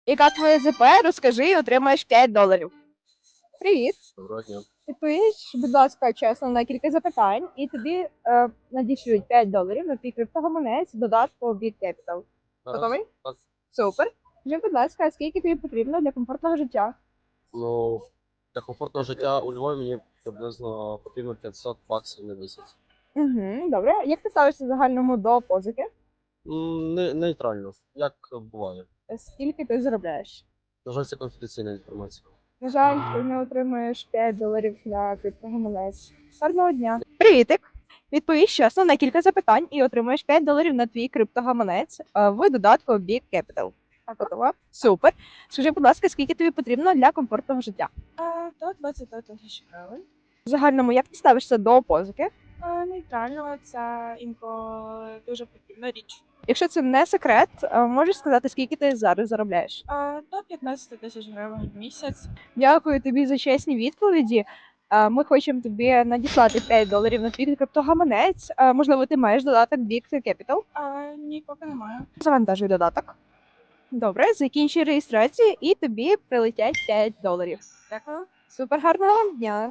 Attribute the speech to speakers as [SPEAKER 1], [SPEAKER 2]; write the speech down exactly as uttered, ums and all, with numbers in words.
[SPEAKER 1] Яка твоя ЗП? Розкажи і отримаєш п'ять доларів. Привіт.
[SPEAKER 2] Доброго дня.
[SPEAKER 1] Відповіш, будь ласка, чесно на кілька запитань, і тобі е, надішлють п'ять доларів на твій криптогаманець додатку Bit Capital. Готовий?
[SPEAKER 2] Так.
[SPEAKER 1] Супер. Скажи, будь ласка, скільки тобі потрібно для комфортного життя?
[SPEAKER 2] Ну, для комфортного життя у Львові мені приблизно потрібно п'ятсот баксів на місяць.
[SPEAKER 1] Угу, добре. Як ти ставишся в загальному до позики?
[SPEAKER 2] М, Не, нейтрально, як буває.
[SPEAKER 1] Скільки ти заробляєш?
[SPEAKER 2] На жаль, це конфіденційна інформація.
[SPEAKER 1] На жаль, ти не отримуєш п'ять доларів на криптогаманець. Гарного дня. Привітик! Відповіш чесно на кілька запитань і отримаєш п'ять доларів на твій криптогаманець е, в додатку Bit Capital. Готова? Супер. Скажи, будь ласка, скільки тобі потрібно для комфортного життя?
[SPEAKER 3] А, До двадцять тисяч гривень.
[SPEAKER 1] В загальному, як ти ставишся до позики?
[SPEAKER 3] А, Нейтрально, це інколи дуже потрібна річ.
[SPEAKER 1] Якщо це не секрет, е, можеш сказати, скільки ти зараз заробляєш?
[SPEAKER 3] А, До п'ятнадцять тисяч гривень в місяць.
[SPEAKER 1] Дякую тобі за чесні відповіді. Е, Ми хочемо тобі надіслати п'ять доларів на твій криптогаманець. Е, Можливо, ти маєш додаток Bit Capital.
[SPEAKER 3] А, ні, поки немає.
[SPEAKER 1] Завантажуй додаток. Добре, закінчуй реєстрацію і тобі прилетять п'ять доларів.
[SPEAKER 3] Дякую.
[SPEAKER 1] Супер гарного вам дня!